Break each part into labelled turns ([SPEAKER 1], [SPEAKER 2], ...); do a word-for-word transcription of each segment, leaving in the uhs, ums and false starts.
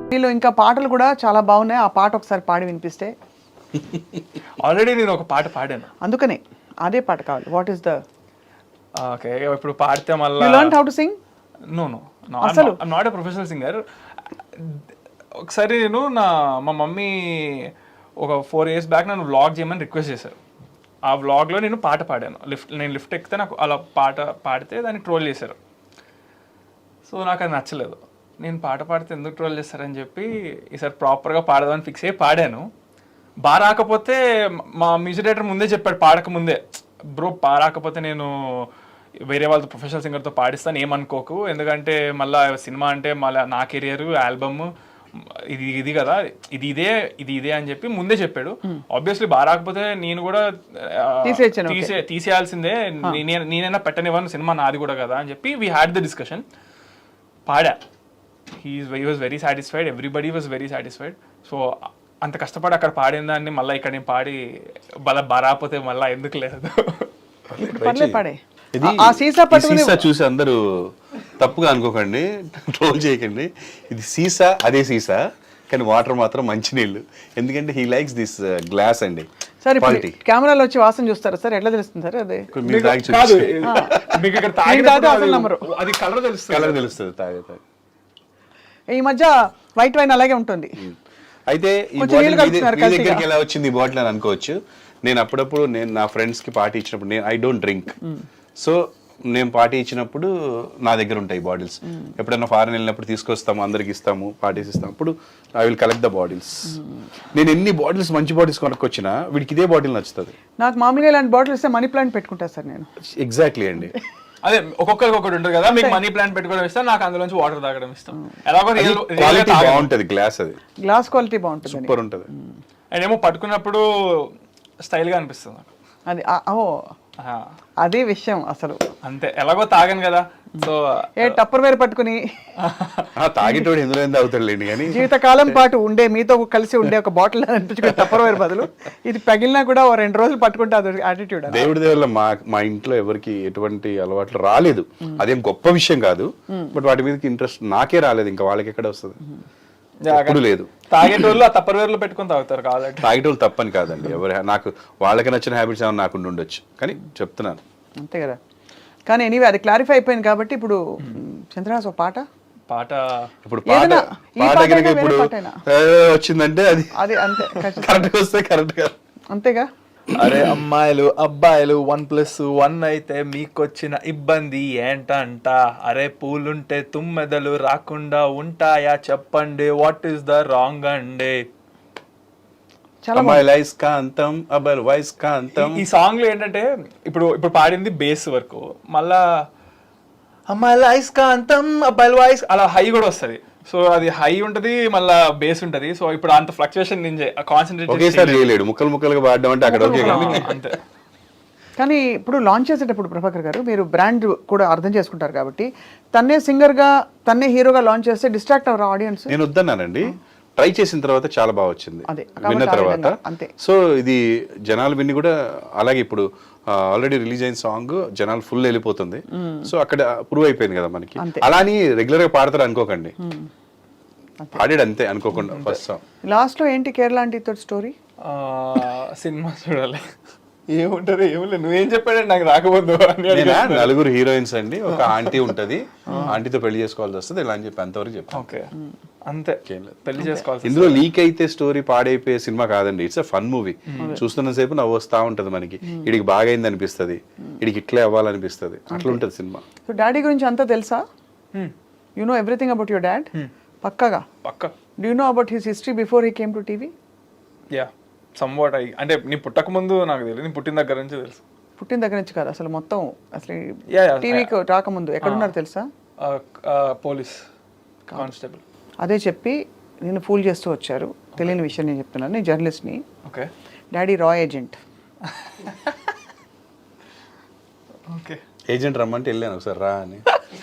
[SPEAKER 1] వీళ్ళు ఇంకా పాటలు కూడా చాలా బాగున్నాయి. ఆ పాట ఒకసారి పాడి వినిపిస్తే.
[SPEAKER 2] ఆల్రెడీ నేను ఒక పాట పాడాను,
[SPEAKER 1] అందుకనే అదే పాట కావాలి. వాట్ ఈస్ ద
[SPEAKER 2] ఓకే ఇప్పుడు పాడితే మళ్ళీ
[SPEAKER 1] you learn how to sing?
[SPEAKER 2] No no అసలు I'm not a professional singer. ఒకసారి నేను నా మా మమ్మీ ఒక ఫోర్ ఇయర్స్ బ్యాక్ నన్ను వ్లాగ్ చేయమని రిక్వెస్ట్ చేశారు. ఆ వ్లాగ్లో నేను పాట పాడాను. లిఫ్ట్ నేను లిఫ్ట్ ఎక్కితే నాకు అలా పాట పాడితే దాన్ని ట్రోల్ చేశారు. సో నాకు అది నచ్చలేదు. నేను పాట పాడితే ఎందుకు ట్రోల్ చేస్తారని చెప్పి ఈసారి ప్రాపర్గా పాడదామని ఫిక్స్ అయ్యి పాడాను. బాగా రాకపోతే మా మ్యూజిక్ డైరెక్టర్ ముందే చెప్పాడు పాడక ముందే, బ్రో బాగా రాకపోతే నేను వేరే వాళ్ళతో ప్రొఫెషనల్ సింగర్తో పాడిస్తాను, ఏమనుకోకు, ఎందుకంటే మళ్ళీ సినిమా అంటే మళ్ళీ నా కెరియర్ ఆల్బమ్ ఇది ఇది కదా, ఇది ఇదే ఇది ఇదే అని చెప్పి ముందే చెప్పాడు. ఆబ్వియస్లీ బాగా రాకపోతే నేను కూడా తీసే తీసేయాల్సిందే, నేనైనా పెట్టనివ్వను, సినిమా నాది కూడా కదా అని చెప్పి వీ హ్యాడ్ ద డిస్కషన్. పాడా, he he was very satisfied, everybody was very satisfied. So అంత కష్టపడి అక్కడ పాడిన దాన్ని మళ్ళీ ఇక్కడ నేను పాడి బల బారాపోతే మళ్ళీ ఎందుకు లేదు.
[SPEAKER 3] ఇది సీసా చూసి అందరూ తప్పుగా అనుకోకండి, ట్రోల్ చేయకండి. ఇది సీసా, అదే సీసా, కానీ వాటర్ మాత్రం మంచినీళ్ళు. ఎందుకంటే హీ లైక్స్ దిస్ గ్లాస్ అండి.
[SPEAKER 1] సార్ కెమెరాలో వచ్చి వాసన చూస్తారా సార్? ఎట్లా తెలుస్తుంది సార్? అదే
[SPEAKER 2] అది కలర్ తెలుస్తుంది,
[SPEAKER 3] కలర్ తెలుస్తుంది తాగే తాగే.
[SPEAKER 1] ఈ మధ్య వైట్ వైన్ అలాగే ఉంటుంది.
[SPEAKER 3] అయితే ఈ బాటిల్ మీ దగ్గరికి ఎలా వచ్చింది ఈ బాటిల్ అని అనుకోవచ్చు. నేను అప్పుడప్పుడు నేను నా ఫ్రెండ్స్ కి పార్టీ ఇచ్చినప్పుడు, నేను ఐ డోంట్ డ్రింక్, సో నేను పార్టీ ఇచ్చినప్పుడు నా దగ్గర ఉంటాయి బాటిల్స్. ఎప్పుడైనా ఫారెన్ వెళ్ళినప్పుడు తీసుకొస్తాము, అందరికి ఇస్తాము, పార్టీస్ ఇస్తాము. అప్పుడు I will collect the bottles. నేను ఎన్ని బాటిల్స్ మంచి బాటిల్స్ కొనుక్కొచ్చినా వీడికి ఇదే బాటిల్ నచ్చుతుంది.
[SPEAKER 1] నాకు మామూలుగా ఇలాంటి బాటిల్ ఇస్తే మనీ ప్లాంట్ పెట్టుకుంటా సార్ నేను.
[SPEAKER 3] ఎగ్జాక్ట్లీ అండి.
[SPEAKER 2] అదే ఒక్కొక్కరికి ఒకటి ఉంటుంది కదా, మీకు మనీ ప్లాంట్ పెట్టుకోవడం ఇష్టం, నాకు అందులోంచి వాటర్ తాగడం ఇష్టం. ఎలాగో
[SPEAKER 3] క్వాలిటీ బాగుంటది, గ్లాస్ అది
[SPEAKER 1] గ్లాస్ క్వాలిటీ బాగుంటుంది,
[SPEAKER 3] సూపర్ ఉంటుంది.
[SPEAKER 2] అండ్ ఏమో పట్టుకున్నప్పుడు స్టైల్ గా అనిపిస్తుంది
[SPEAKER 1] అది. ఓ అదే విషయం అసలు.
[SPEAKER 2] అంతే, ఎలాగో తాగాను కదా, సో
[SPEAKER 1] ఏ టప్పర్ వేరు పట్టుకుని
[SPEAKER 3] తాగేటోడు ఎందులో అవుతాడులేండి, కానీ
[SPEAKER 1] జీవితకాలం పాటు ఉండే మీతో కలిసి ఉండే ఒక బాటిల్ అనిపించుకుని టప్పర్ వేరు బదులు ఇది పగిలినా కూడా ఓ రెండు రోజులు పట్టుకుంటే అది యాటిట్యూడ్.
[SPEAKER 3] దేవుడి దేవుళ్ళ మా మా ఇంట్లో ఎవరికి ఎటువంటి అలవాట్లు రాలేదు. అదేం గొప్ప విషయం కాదు, బట్ వాటి మీదకి ఇంట్రెస్ట్ నాకే రాలేదు, ఇంకా వాళ్ళకి ఎక్కడ వస్తుంది, ఎప్పుడు లేదు.
[SPEAKER 2] తాగేటోళ్ళు ఆ తప్పర్ వేర్లో పెట్టుకుని తాగుతారు కాబట్టి.
[SPEAKER 3] తాగేటోళ్ళు తప్పని కాదండి, ఎవరు నాకు వాళ్ళకి నచ్చిన హ్యాబిట్స్ ఏమైనా నాకు ఉండొచ్చు, కానీ చెప్తున్నాను
[SPEAKER 1] అంతే కదా. కానీ ఎనీవే అది క్లారిఫై అయిపోయింది కాబట్టి ఇప్పుడు చంద్రహాస్ ఒక పాట
[SPEAKER 2] పాట
[SPEAKER 3] ఇప్పుడు పాట పాట ఇప్పుడు వచ్చిందంటే అది
[SPEAKER 1] అది అంతే,
[SPEAKER 3] కరెక్ట్ వస్తే కరెక్ట్ గా
[SPEAKER 1] అంతేగా.
[SPEAKER 2] అరే అమ్మాయిలు అబ్బాయిలు వన్ ప్లస్ వన్ అయితే మీకొచ్చిన ఇబ్బంది ఏంటంట, అరే పూలుంటే తుమ్మెదలు రాకుండా ఉంటాయా చెప్పండి, వాట్ ఈస్ ద రాంగ్ అండి. ఈ సాంగ్ లో ఏంటంటే ఇప్పుడు ఇప్పుడు పాడింది బేస్ వరకు, మళ్ళా అమ్మాయిల ఐస్కాంతం అబ్బాయిల వాయిస్ అలా హై కూడా వస్తుంది. సో అది హై ఉంటది, మళ్ళా బేస్ ఉంటది. సో ఇప్పుడు అంత ఫ్లక్చుయేషన్ నేను కాన్సన్ట్రేట్
[SPEAKER 3] చేయలేడు, ముక్కలు ముక్కలుగా పాడడం అంటే అక్కడ
[SPEAKER 2] అంతే.
[SPEAKER 1] కానీ ఇప్పుడు లాంచ్ చేసేటప్పుడు ప్రభాకర్ గారు మీరు బ్రాండ్ కూడా అర్థం చేసుకుంటారు కాబట్టి తన్నే సింగర్ గా తన్నే హీరోగా లాంచ్ చేస్తే డిస్ట్రాక్ట్ అవర్ ఆడియన్స్.
[SPEAKER 3] నేను వద్దన్నానండి, ట్రై చేసిన తర్వాత చాలా బాగా వచ్చింది, విన్న తర్వాత. సో ఇది జనాలు విని కూడా అలాగే ఇప్పుడు ఆల్రెడీ రిలీజ్ అయిన సాంగ్ జనాలు ఫుల్ వెళ్ళిపోతుంది. సో అక్కడ ప్రూవ్ అయిపోయింది కదా మనకి. అలా అని రెగ్యులర్ గా పాడతారు అనుకోకండి, పాడాడు అంతే అనుకోకుండా. ఫస్ట్ సాంగ్
[SPEAKER 1] లాస్ట్ లో ఏంటి కేరళ ఆంటీ తోటి స్టోరీ?
[SPEAKER 2] సినిమా చూడాలి ఏముంటారు ఏముంది, నువ్వేం చెప్పాడండి నాకు రాకపోదు.
[SPEAKER 3] నలుగురు హీరోయిన్స్ అండి, ఒక ఆంటీ ఉంటది, ఆంటీతో పెళ్లి చేసుకోవాల్సి వస్తుంది ఇలా అని చెప్పి అంతవరకు చెప్పాను.
[SPEAKER 2] ఓకే అంతే, పెళ్లి చేసుకోవాలి.
[SPEAKER 3] ఇందులో లీక్ అయితే స్టోరీ పాడైపోయే సినిమా కాదండి, ఇట్స్ అ ఫన్ మూవీ. చూస్తున్న సేపు నవ్వు వస్తా ఉంటది మనకి, ఇడికి బాగా అయింది అనిపిస్తుంది, ఇడికి ఇట్లే అవ్వాలనిపిస్తుంది, అట్లా ఉంటది సినిమా.
[SPEAKER 1] సో డాడీ గురించి అంతా తెలుసా? You know everything about your dad? పక్కాగా
[SPEAKER 2] పక్కా.
[SPEAKER 1] Do you know about his history before he came to TV?
[SPEAKER 2] Yeah somewhat. అయ్యి అంటే నీ పుట్టక ముందు నాకు తెలియదు, నీ పుట్టిన దగ్గర నుంచి తెలుసు.
[SPEAKER 1] పుట్టిన దగ్గర నుంచి కాదు అసలు మొత్తం, అసలు టీవీకి రాకముందు ఎక్కడున్నారు తెలుసా?
[SPEAKER 2] Police constable.
[SPEAKER 1] అదే చెప్పి నేను ఫూల్ చేస్తూ వచ్చారు, తెలియని విషయం నేను చెప్తున్నాను, నేను జర్నలిస్ట్ని.
[SPEAKER 2] ఓకే.
[SPEAKER 1] డాడీ రా ఏజెంట్.
[SPEAKER 2] ఓకే.
[SPEAKER 3] ఏజెంట్ రమ్మంటే వెళ్ళాను ఒకసారి రా అని.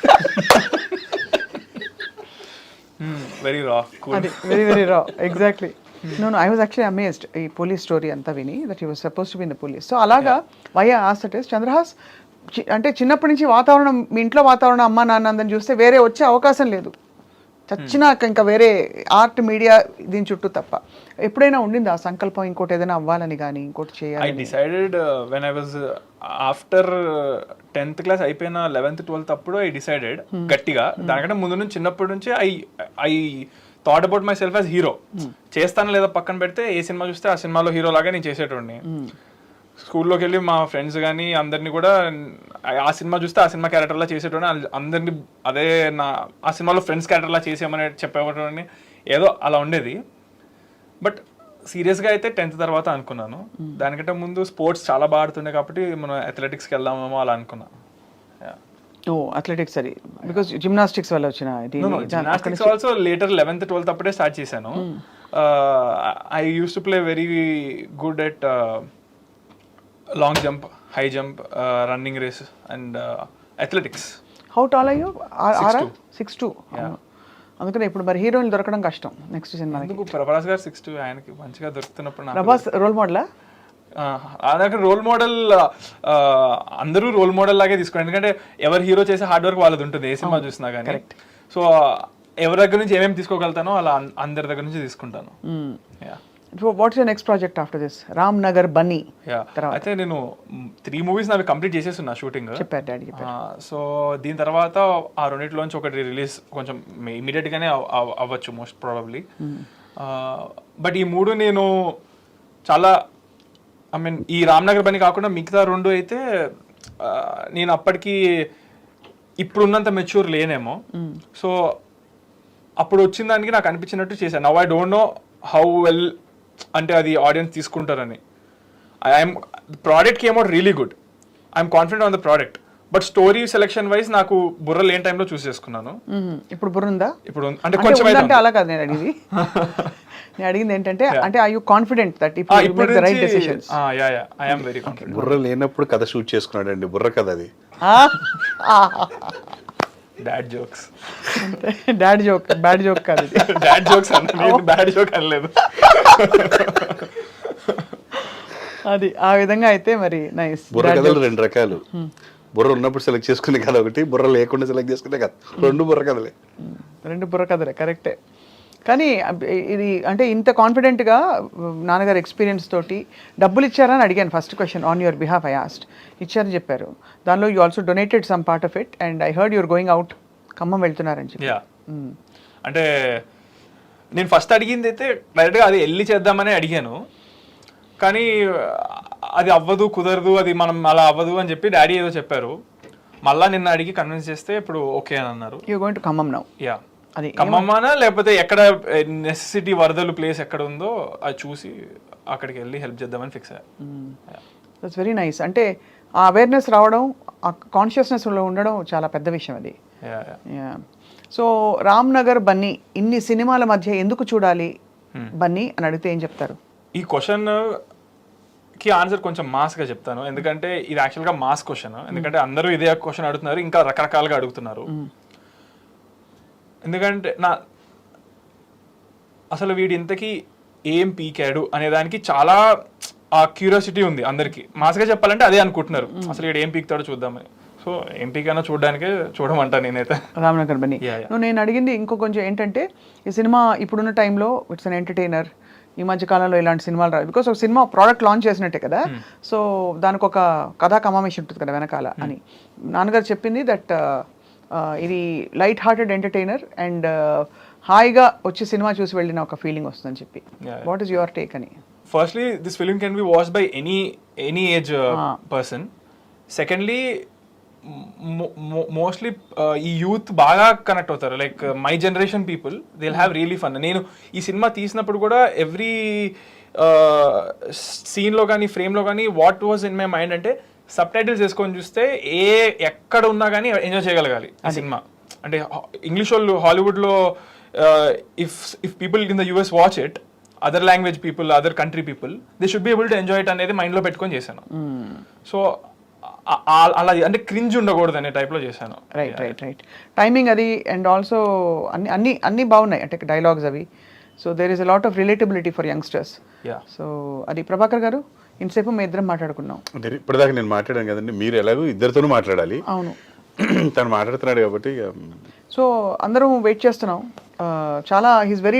[SPEAKER 2] వెరీ రా,
[SPEAKER 1] వెరీ వెరీ రా, exactly. No no I was actually amazed ఈ పోలీస్ స్టోరీ అంతా విని, that he was suppose to be in the police. So అలాగా why I asked it is, Chandrahas అంటే చిన్నప్పటి నుంచి వాతావరణం, మీ ఇంట్లో వాతావరణం అమ్మ నాన్న అందరిని చూస్తే వేరే వచ్చే అవకాశం లేదు. చచ్చినాక ఇంకా వేరే ఆర్ట్ మీడియా దీని చుట్టూ తప్ప ఎప్పుడైనా ఉండింది ఆ సంకల్పం ఇంకోటి ఏదైనా అవ్వాలని కానీ ఇంకోటి
[SPEAKER 2] ఐ
[SPEAKER 1] చేయాలి?
[SPEAKER 2] Decided when I was after tenth class అయిపోయిన లెవెన్త్ ట్వెల్త్ అప్పుడు ఐ డిసైడెడ్ గట్టిగా, దానికంటే ముందు నుంచి చిన్నప్పటి నుంచి I I thought about my self as hero. చేస్తాను లేదా పక్కన పెడితే ఏ సినిమా చూస్తే ఆ సినిమాలో హీరో లాగా నేను చేసేటోడిని. స్కూల్లోకి వెళ్ళి మా ఫ్రెండ్స్ కానీ అందరినీ కూడా ఆ సినిమా చూస్తే ఆ సినిమా క్యారెక్టర్లా చేసేటోని, అందరినీ అదే నా ఆ సినిమాలో ఫ్రెండ్స్ క్యారెక్టర్లా చేసేయమని చెప్పేటోని, ఏదో అలా ఉండేది. బట్ సీరియస్గా అయితే టెన్త్ తర్వాత అనుకున్నాను. దానికంటే ముందు స్పోర్ట్స్ చాలా బాగా ఆడుతుండే కాబట్టి మనం అథ్లెటిక్స్కి వెళ్దామేమో అలా అనుకున్నా.
[SPEAKER 1] ఓ అథ్లెటిక్స్ అది బికాస్ జిమ్నాస్టిక్స్ వల్ల వచ్చిన
[SPEAKER 2] gymnastics also later eleventh twelfth అప్పుడే స్టార్ట్ చేశాను. I use to play very good at long jump, high jump, running race and athletics.
[SPEAKER 1] How tall అయ్యో? Six two. అందుకనే ఇప్పుడు మరి హీరోయిన్ దొరకడం కష్టం నెక్స్ట్ సినిమా.
[SPEAKER 2] ఎందుకు ప్రభాస్ గారు సిక్స్ టూ ఆయనకి మంచిగా దొరుకుతున్నప్పుడు
[SPEAKER 1] ప్రభాస్ రోల్ మోడలా?
[SPEAKER 2] నాకు రోల్ మోడల్ అందరూ రోల్ మోడల్ లాగే తీసుకోండి, ఎందుకంటే ఎవరు హీరో చేసే హార్డ్ వర్క్ వాళ్ళది ఉంటుంది ఏ సినిమా చూసినా కానీ. సో ఎవరి దగ్గర నుంచి ఏమేమి తీసుకోగలుగుతానో అలా అందరి దగ్గర నుంచి తీసుకుంటాను.
[SPEAKER 1] What's your next project after this? Ram Nagar Bunny.
[SPEAKER 2] అయితే నేను త్రీ మూవీస్ నావి కంప్లీట్ చేసేస్తున్నా షూటింగ్.
[SPEAKER 1] చెప్పారు డాడీ.
[SPEAKER 2] సో దీని తర్వాత ఆ రెండింటిలోంచి ఒకటి రిలీజ్ కొంచెం ఇమీడియట్ గానే అవ్వచ్చు మోస్ట్ ప్రాబబ్లీ. బట్ ఈ మూడు నేను చాలా ఐ మీన్ ఈ రామ్ నగర్ బన్నీ కాకుండా మిగతా రెండు అయితే నేను అప్పటికి ఇప్పుడున్నంత మెచ్యూర్ లేనేమో. సో అప్పుడు వచ్చిన దానికి నాకు అనిపించినట్టు చేశాను. Now I don't know how well అంటే అది ఆడియన్స్ తీసుకుంటారని. I'm product came out really good, I'm confident on the product. But story selection wise నాకు బుర్ర లేని టైంలో చూస్ చేసుకున్నాను.
[SPEAKER 1] ఇప్పుడు బుర్ర ఉందా?
[SPEAKER 2] ఇప్పుడు అంటే కొంచెం
[SPEAKER 1] అంటే అలా కాదు నేను అడిగింది. నేను అడిగింది ఏంటంటే అంటే I you confident that if you make the right decisions?
[SPEAKER 2] ఆ yeah yeah I am very confident.
[SPEAKER 3] బుర్ర లేనప్పుడు కథ షూట్ చేసుకున్నాడండి, బుర్ర కథ అది.
[SPEAKER 2] Dad jokes.
[SPEAKER 1] Dad joke, bad joke కాదు.
[SPEAKER 2] డాడ్ జోక్స్ అంటే బ్యాడ్ జోక్ అనలేదు.
[SPEAKER 1] అది ఆ విధంగా అయితే మరి నైస్.
[SPEAKER 3] బుర్ర కథలు రెండు రకాలు, బుర్ర ఉన్నప్పుడు సెలెక్ట్ చేసుకునే కథ ఒకటి, బుర్ర లేకుండా సెలెక్ట్ చేసుకునే కథ, రెండు బుర్ర కథలే.
[SPEAKER 1] రెండు బుర్ర కథలే కరెక్టే. కానీ ఇది అంటే ఇంత కాన్ఫిడెంట్గా నాన్నగారు ఎక్స్పీరియన్స్ తోటి డబ్బులు ఇచ్చారని అడిగాను first question on your behalf. I asked, ఇచ్చారని చెప్పారు. దానిలో you also donated some part of it and I heard your going out, Khammam వెళ్తున్నారని చెప్పి.
[SPEAKER 2] అంటే నేను ఫస్ట్ అడిగింది అయితే డైరెక్ట్గా అది వెళ్ళి చేద్దామని అడిగాను, కానీ అది అవ్వదు, కుదరదు, అది మనం అలా అవ్వదు అని చెప్పి డాడీ ఏదో చెప్పారు. మళ్ళీ నిన్న అడిగి కన్విన్స్ చేస్తే ఇప్పుడు ఓకే అని అన్నారు.
[SPEAKER 1] You going to Khammam now?
[SPEAKER 2] Yeah. అది ఖమ్మమానా లేకపోతే ఎక్కడ నెసెసిటీ వరదలు ప్లేస్ ఎక్కడ ఉందో అది చూసి అక్కడికి వెళ్ళి హెల్ప్ చేద్దామని ఫిక్స్ అయ్యా.
[SPEAKER 1] That's very nice. అంటే ఆ అవేర్నెస్ రావడం, ఆ కాన్షియస్నెస్లో ఉండడం చాలా పెద్ద విషయం అది. సో రామ్ నగర్ బన్నీ ఇన్ని సినిమాల మధ్య ఎందుకు చూడాలి బన్నీ అని అడిగితే ఏం చెప్తారు?
[SPEAKER 2] ఈ క్వశ్చన్ కి ఆన్సర్ కొంచెం మాస్గా చెప్తాను, ఎందుకంటే ఇది యాక్చువల్గా మాస్ క్వశ్చన్. ఎందుకంటే అందరూ ఇదే క్వశ్చన్ అడుగుతున్నారు, ఇంకా రకరకాలుగా అడుగుతున్నారు. ఎందుకంటే నా అసలు వీడి ఇంతకీ ఏం పీకాడు అనే దానికి చాలా ఆ క్యూరియాసిటీ ఉంది అందరికి. మాస్గా చెప్పాలంటే అదే అనుకుంటున్నారు, అసలు వీడు ఏం పీకుతాడో చూద్దామని. సో ఏం పీకైనా చూడడానికే చూడమంటా నేనైతే
[SPEAKER 1] రామ్ నగర్ బన్నీ. నేను అడిగింది ఇంకో కొంచెం ఏంటంటే ఈ సినిమా ఇప్పుడున్న టైంలో ఇట్స్ అన్ ఎంటర్టైనర్. ఈ మధ్య కాలంలో ఇలాంటి సినిమాలు రావు బికాస్ ఒక సినిమా ప్రోడక్ట్ లాంచ్ చేసినట్టే కదా. సో దానికి ఒక కథా కమామేషన్ ఉంటుంది కదా వెనకాల అని నాన్నగారు చెప్పింది. దట్ ఇది లైట్ హార్టెడ్ ఎంటర్టైనర్ అండ్ హాయిగా వచ్చి సినిమా చూసి వెళ్ళిన ఒక ఫీలింగ్ వస్తుందని చెప్పి. వాట్ ఈస్ యువర్ టేక్ అని?
[SPEAKER 2] Firstly this film can be watched by any any age person. Secondly mostly ఈ యూత్ బాగా కనెక్ట్ అవుతారు. Like my generation people they will have really fun. నేను ఈ సినిమా తీసినప్పుడు కూడా ఎవ్రీ సీన్లో కానీ ఫ్రేమ్లో కానీ what was in my mind అంటే సబ్ టైటిల్స్ వేసుకొని చూస్తే ఏ ఎక్కడ ఉన్నా కానీ ఎంజాయ్ చేయగలగాలి ఆ సినిమా. అంటే ఇంగ్లీష్ వాళ్ళు హాలీవుడ్లో if if people in the US watch it, other language people, other country people, they should be able to enjoy it అనేది మైండ్లో పెట్టుకొని చేశాను. సో అలా అంటే క్రింజ్ ఉండకూడదు అనే టైప్లో చేశాను.
[SPEAKER 1] రైట్ రైట్ రైట్ టైమింగ్ అది అండ్ ఆల్సో అన్ని అన్ని అన్ని బాగున్నాయి అంటే డైలాగ్స్ అవి. So there is a lot of relatability for youngsters. So అది ప్రభాకర్ గారు ఇంతసేపు మేము ఇద్దరం మాట్లాడుకున్నాం.
[SPEAKER 3] ఇప్పటిదాకా నేను మాట్లాడాను కదండి, మీరు ఎలాగో ఇద్దరితోనూ మాట్లాడాలి.
[SPEAKER 1] అవును
[SPEAKER 3] తను మాట్లాడుతున్నాడు కాబట్టి.
[SPEAKER 1] సో అందరం వెయిట్ చేస్తున్నాం చాలా హీస్ వెరీ